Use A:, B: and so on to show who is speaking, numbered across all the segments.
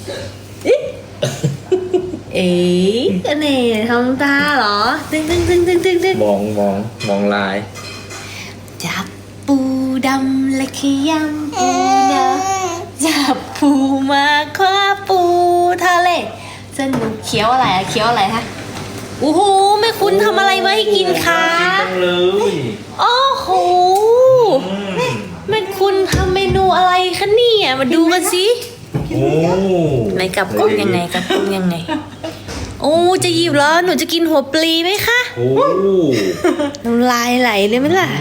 A: เอ๊ะก็เนี่ยทำตาเหรอตึ้ง
B: มองลาย
A: จับปูดำและขยำปูนะจับปูมาคว้าปูทะเลสนุกเคี้ยวอะไรอะเคี้ยวอะไรคะโอ้โหแม่คุณทำอะไรมาให้กินคะ
B: จังเลย
A: โอ้โหแม่คุณทำเมนูอะไรคะเนี่ยมาดูกันสิ
B: โอ้
A: ไหนกลับกล้องยังไงกลับกล้องยังไงโอ้จะหยิบเหรอหนูจะกินหัวปลีไหมคะ
B: โอ้
A: น้ำลายไหลเลยไหมล่ะ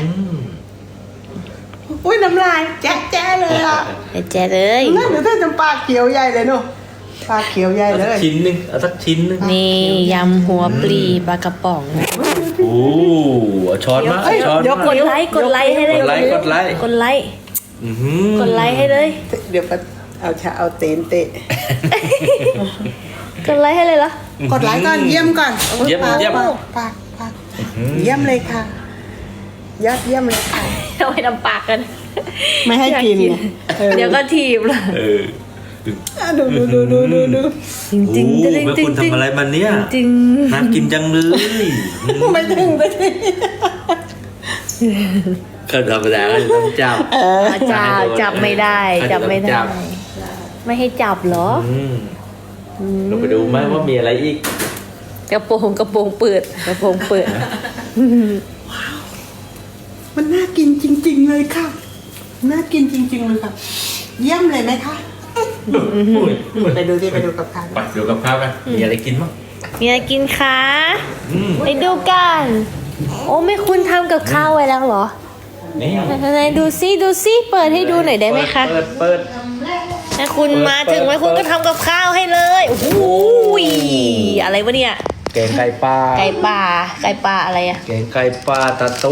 C: อุ้ยน้ำลายแจ๊ะเลยอ่ะ
A: แจ๊เลย
C: นั่นเดี๋ยวท่านจะปากเขียวใหญ่เลยเนาะปากเขียวใหญ่
B: เอา
C: เล
B: สัก
C: ย
B: ชิ้นหนึงเอาสักชิ้นหนึง
A: นี่ยำหัวปลีปลากระป๋อง
B: โอ้เอาช้อนมาเอาช้อน
C: เดี๋ยว
B: มาก
A: ดไลค์กดไลค์ให้เลย
B: กดไลค์กดไลค์
A: กดไลค์
B: อื้อหือก
A: ดไลค์ให้เลย
C: เดี๋ยวเอาเตนเตะ
A: กดไลค์ให้เลยเหรอก
C: ดไลค์ก่อนเยี่ยมก่อน
B: เยี่ยม
C: ปากเยี่ยมเลยค่ะยอดเยี่ยมเลยค่ะ
A: เอาไปทำปากกัน
C: ไม่ให้กิน
A: อยา เดี๋ยวก็ทีบละ
B: เออ
C: ดู
A: จริงจริง
B: โอ้
A: จริง
B: แม่
A: จริ
B: คุ
A: ง
B: ณทำอะไรมาเนี่ย
A: จริง
B: น่ากินจังเลย
C: ไม่ถึง
B: ก็ธรรมดาก็จะต้องจับ
A: จับไม่ได้จับไม่ได้ ไม่ให้จับเหรอ
B: เราไปดูไหมว่ามีอะไรอีก
A: กระโปรงเปิดกระโปรงเปิด
C: มันน่ากินจริงๆเลยค่ะน่ากินจริงๆเลยค่ะเยี่ยมเลยไหมคะไปดูที่ไปดูกับข้าว
B: ไปดูกับข้าวกันมีอะไรกินบ้าง
A: มีอะไรกินคะไปดูกันโอ้ไม่คุณทำกับข้าวไว้แล้วเหรอ
B: นี่
A: ไหนดูซิเปิดให้ดูหน่อยได้ไหมคะ
B: เปิด
A: แม่คุณมาถึงแม่คุณก็ทำกับข้าวให้เลยโอ้โหอะไรวะเนี่ย
B: แกงไก่ปลา
A: ไก่ป่าอะไรอะ
B: แกงไก่ปลาตะตุ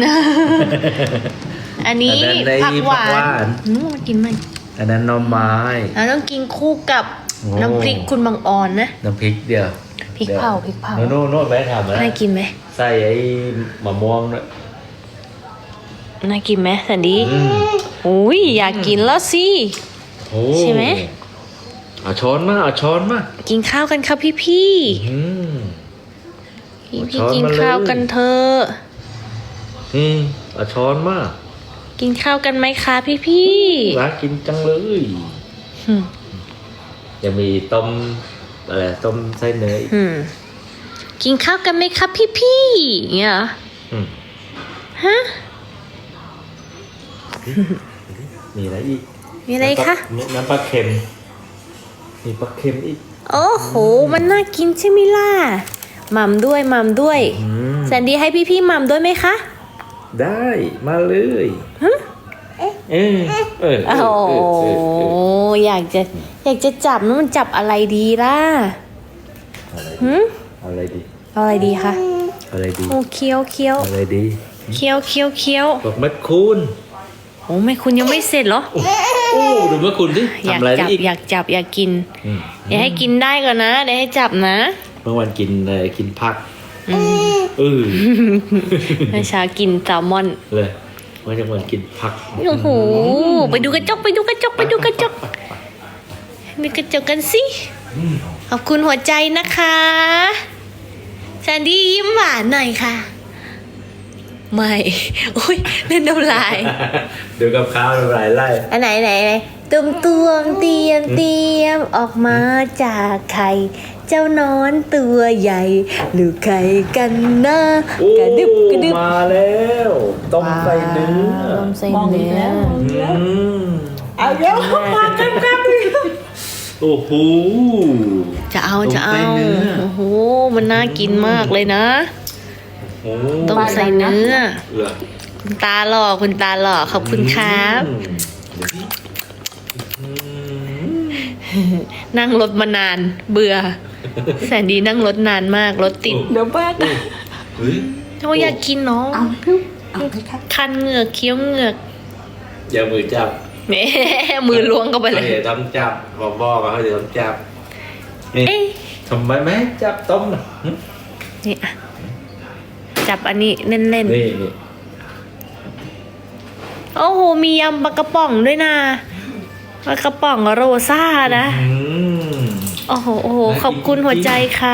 A: อันนี้
B: อันนั้นได้
A: ผักหวา
B: ผักหวาน น
A: มากินมัน
B: อันนั้นหน่อไม้
A: เราต้องกินคู่กับ
B: โอ้
A: น้ำพริกคุณบางออนนะ
B: น้ำพริกเดียว
A: พริกเผา
B: โน่นแม่ทำนะ
A: น่ากินไหม
B: ใส่ไอ้มะม่วงด้วย
A: น่ากินไหมสันดี
B: อืม
A: อุ้ยอยากกินแล้วสิ
B: โอ้
A: ใช่ไหม
B: เอาช้อนมา
A: กินข้าวกันครับพี่
B: อืม
A: พี่
B: ช้อน
A: กิน
B: มาเลย
A: ข้าวกันเถอะ
B: เอาช้อนมา
A: กินข้าวกันไหมคะพี่
B: รักกินจังเลย
A: อืม
B: ยังมีต้มอะไรต้มไส้เนย
A: กินข้าวกันไหมครับพี่อย่างเงี้ยเหรอ
B: อืม
A: ฮะ
B: มีอะไรอีก
A: มีอะไรคะ
B: น้ำปลาเค็มมีปลาเค็มอีก
A: โอ้โหมันน่ากินใช่ไหมล่ะหม่ำด้วย
B: อืม
A: แซนดี้ให้พี่หม่ำด้วยไหมคะ
B: ได้มาเลยเออ
A: โอ้โหอยากจะจับนะมันจับอะไรดีล่ะ
B: อะไรดี
A: เอาอะไรดีคะ
B: อะไรดี
A: โอ้เคี้ยว
B: อะไรดีบอกแม่คุณ
A: โอ้ไม่คุณยังไม่เสร็จเหรอ
B: โอ้ดูแม่คุณสิ
A: อยาก
B: ทำอะไร
A: จับ
B: อีก
A: อยากจับอยากกิน
B: อืม
A: อย่าให้กินได้ก่อนนะเดี๋ยวให้จับนะ
B: เมื่อวันกินผักเออ
A: เมื่อเช้ากินแซลมอน
B: เลยเมื่อวันกินผัก
A: โอ้โหไปดูกระจกดูกระจกกันสิขอบคุณหัวใจนะคะแซนดี้ยิ้มหวานหน่อยค่ะ ไม่โอ้ยเล่นน้ำลาย
B: ดูกับข้าวหลายไล่
A: อันไหนตุ่มเตรียมออกมาจากไข่เจ้านอนตัวใหญ่หรือไข่กันนะ
B: โอ้
A: กระดึบ
B: มาแล้วต้มใส่เนื้อ
A: ต้มใส่เนื้อ
C: เอาเดี๋ยวมากัน
B: โอ้โห
A: จะเอา
B: ต้มใส่เนื้อ
A: โอ้โหมันน่ากินมากเลยนะ
B: โอ้
A: ต้มใส่เนื้อ
B: เอือ
A: คุณตาหล่อขอบคุณครับ นั่งรถมานานเบื่อแสนดีนั่งรถนานมากรถติด
C: เดี๋ยวบ้าน
B: เฮ้ย
A: โอ้ยอยากกินเนาะ
C: เอาไหมครับ
A: คันเหงือกเคี้ยวเหงือก
B: อย่ามือจับ
A: แหมมือล้วงเข้าไปเลย
B: เขาจะทำจับบอกเขาจะทำจับนี่
A: เอ๊ะ
B: ทำไมไม่ให้จับต้มน่ะหึ
A: นี่อะจับอันนี้เล่น
B: นี่
A: ๆโอ้โหมียำปลากระป๋องด้วยนะปลากระป๋องโรซ่านะ
B: อืม
A: โอ้โหโอ้โห
B: น่ากิน
A: ขอบคุณหัวใจค่ะ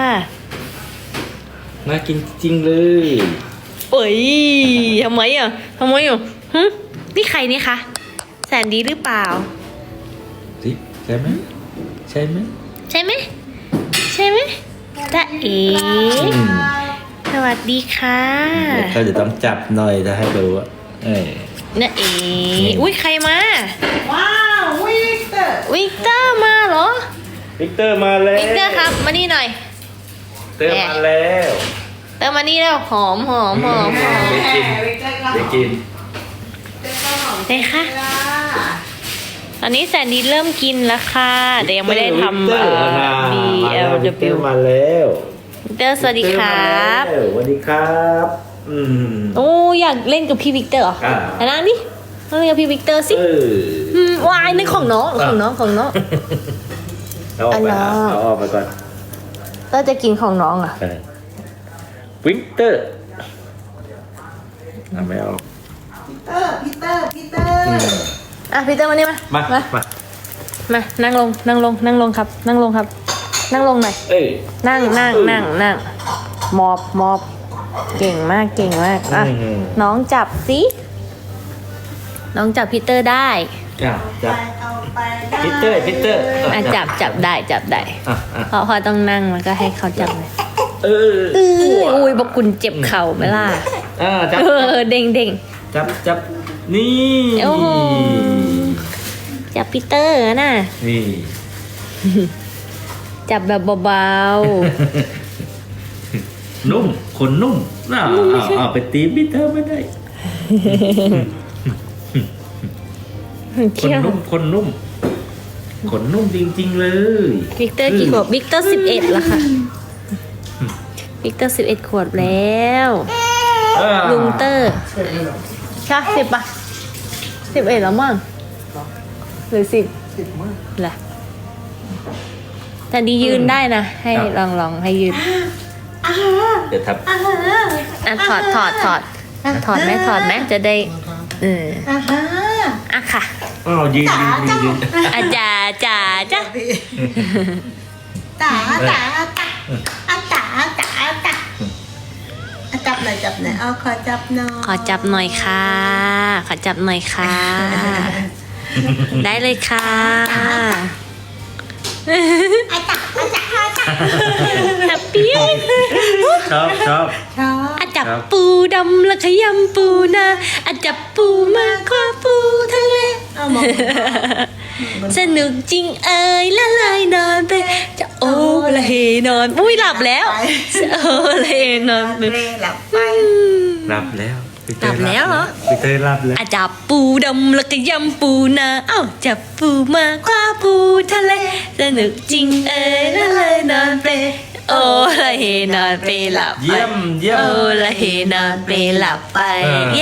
B: น่ากินจริงเลย
A: เอ้ยทำไมอ่ะนี่ใครนี่คะแสนดีหรือเปล่า
B: สิใช่ไหมใช่ไหม
A: ใช่ไหมใช่ไหมจ๊ะเอ๋
B: อืม
A: สวัสดีค่ะ
B: เดี๋ยวเขาจะต้องจับหน่อยจะให้ดูว่าเอ้ย
A: น้าเอ๋อุ้ยใครมา
C: ว้าววิกเตอร์
A: วิกเตอร์มาเหรอ
B: วิกเตอร์มาแล้ว
A: วิกเตอร์ครับมานี่หน่อย
B: เตอร์มาแล้ว
A: เตอร์มานี่แล้วหอมหอม
B: ได้กิน
C: วิกเตอร์ก็
B: ได้กิน
A: ได้ค่ะตอนนี้แสนดีเริ่มกินแล้วค่ะแต่ยังไม่ได้ทำ
B: วิกเตอร์มา วิกเตอ
A: BLW
B: ร์มาแล้ว
A: วิกเตอร์สวัสดีครับ
B: วิกเตอร์มาแล้วสวัสดีครับอืม
A: โอ้อยากเล่นกับพี่วิกเตอร์เหรอ
B: อ่า
A: แต่นั่งดิมาเล่นกับพี่วิกเตอร์สิ
B: เออ
A: วายนี่ของน้อง
B: อ่ะ
A: ของน้องของน้อง
B: เอาออกไป
A: อันนั้น
B: เอาออกไปก่อน
A: เตอร์จะกินของน้องอ่ะ
B: วิกเตอร์ไม่เอา
C: พีเตอร์พีเตอร์พีเตอร์
A: อ่ะพี่เตอร์มานี่มา
B: มา
A: มา
B: มา
A: มานั่งลงนั่งลงนั่งลงครับ นั่งลงครับ นั่งลงหน่อย
B: เอ้ย
A: นั่งมอบเก่งมากเก่งมากอ่ะ
B: อืม
A: น้องจับสิน้องจับพีเตอร์ได้
B: อ่ะจับ
C: เอาไปได้
B: พีเตอร์พีเตอร์
A: อ่ะจับได้
B: อ่ะอ่ะ
A: เพราะพอต้องนั่งแล้วก็ให้เขาจับเลย
B: เออ
A: อุ้ยบอกคุณเจ็บเข่าไหมล่ะ
B: จับ
A: เด้ง
B: จับนี่
A: โอ้โห จับพีเตอร์น่ะ
B: นี่
A: จับแบบเบา
B: นุ่มขนนุ่มเอาไปตีพีเตอร์ไม่ได้
A: ๆ
B: ขน
A: เขี้ยว
B: นุ่มขนนุ่มขนนุ่มจริงๆเลย
A: วิกเตอร์กี่ขวบวิกเตอร์11แล้วค่ะวิกเตอร์11ขวบแล้ว ลุงเตอร์ใช่10ป่ะ11แล้วมั้งหรือ10
C: มาก
A: แหละแต่ดียืนได้นะให้ลองให้ยืน
B: เดี๋ยวทับ
A: อ่ะถอดไหมจะได้
C: อ่าฮะ
A: อ่ะค่ะ
B: อ้าวยืน
A: อาจาจ้า
C: จ๋าจ๋าจ๋าอาจ๋าจ๋าจ๋าจับหน่อยเอาขอจับหน่อย
A: ขอจับหน่อยค่ะ ได้เลยค่ะ
C: อาจ๋าอาจ๋าอาจ๋า
A: แฮปปี้
B: ชอบ
C: ชอบ
A: อาจับปูดำและขยำปูนาอาจับปูมาคว้าปูทะเล
C: เอามอง
A: สนุกจริงเอ่ยละลายนอนไปจะโอละเฮนอนอุ้ยหลับแล้วโอละเฮนอนไป
C: เล่หลับไป
B: หลับแล้ว
A: หลับแล้วเหรอ
B: พีเตอร์หลับแล้ว
A: อาจับปูดำและขยำปูนาเอ้าจับปูมาคว้าปูทะเลสนุกจริงเอ่ยละลายนอนไปโอละเฮนอนไปหลับไป
B: เยี่ยม
A: โอละเฮนอนไปหลับไป เย้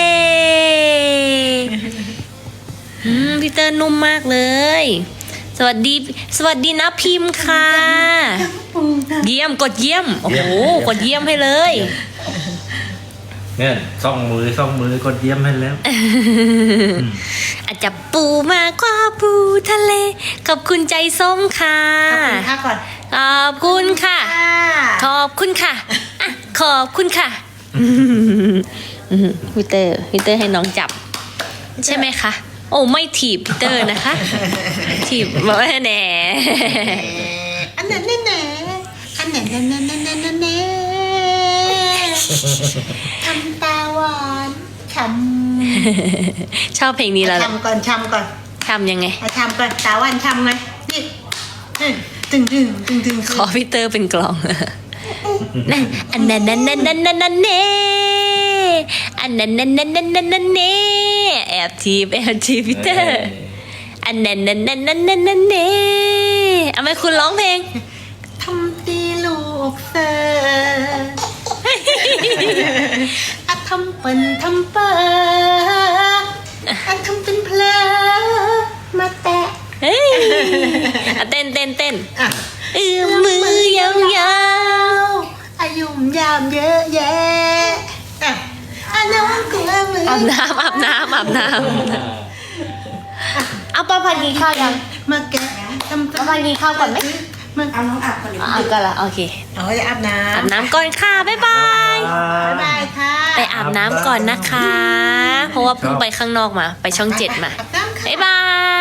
A: พี่เตอร์นุ่มมากเลย สวัสดีนะพิมพ์ค่ะ เยี่ยมกดเยี่ยม โอ้โห กดเยี่ยมให้เลย
B: เนี่ยส่องมือกดเยี่ยมให้แล้ว
A: อาจจะปูมากกว่าปูทะเล ขอบคุณใจส้มค่ะ
C: ขอบคุณค่ะก่อน
A: ขอบคุณค่ะ ขอบคุณค่ะอ่ะ ขอบคุณค่ะพี่เตอร์ให้น้องจับ ใช่ไหมคะ โอ้ไม่ถีบพีเตอร์นะคะ ถีบบอกว่าแหน่
C: อันนั้นแน่อันนั้นแน่ทำตาหวานช้
A: ชอบเพลงนี้
C: ำ
A: แล้ว
C: ช้ำก่อน
A: ทำยังไง
C: ช้ำก่อนตาหวานช้ำไงนี่ตึง
A: ขอพีเตอร์เป็นกลองนั่นอันนั้นเน่อันนั้นเน่แอบทีบพีเตอร์อันนั้นเน่เอาไหมคุณร้องเพลง
C: ทำตีลูกเสืออะทำเป็นทำเปออะทำเป็นเพลอมาแตะ
A: เฮ้ยอ่ะเต้น
C: อ่ะ
A: มือยาว
C: อายุมยามเยอะแยะอ่ะน้องกลัวมือ
A: อาบน้ำเอาเอาป้าพันกินข้าวยัง
C: มาแกะทำ
A: ป้าพันกินข้าวก่อนไหม
C: มันเอาน้องอาบก่อนเลย
A: อาบกันละโอเค
C: เอาจะอาบน้
A: อาบน้ำก่อนค่ะบ๊ายบาย
C: ำบ๊ายบายค่ะ
A: ไปอาบน้ำก่อนนะคะ เพราะว่าเพิ่งไปข้างนอกมา ไปช่อง 7 มา
C: อาบน้ำค่ะ
A: บ๊ายบาย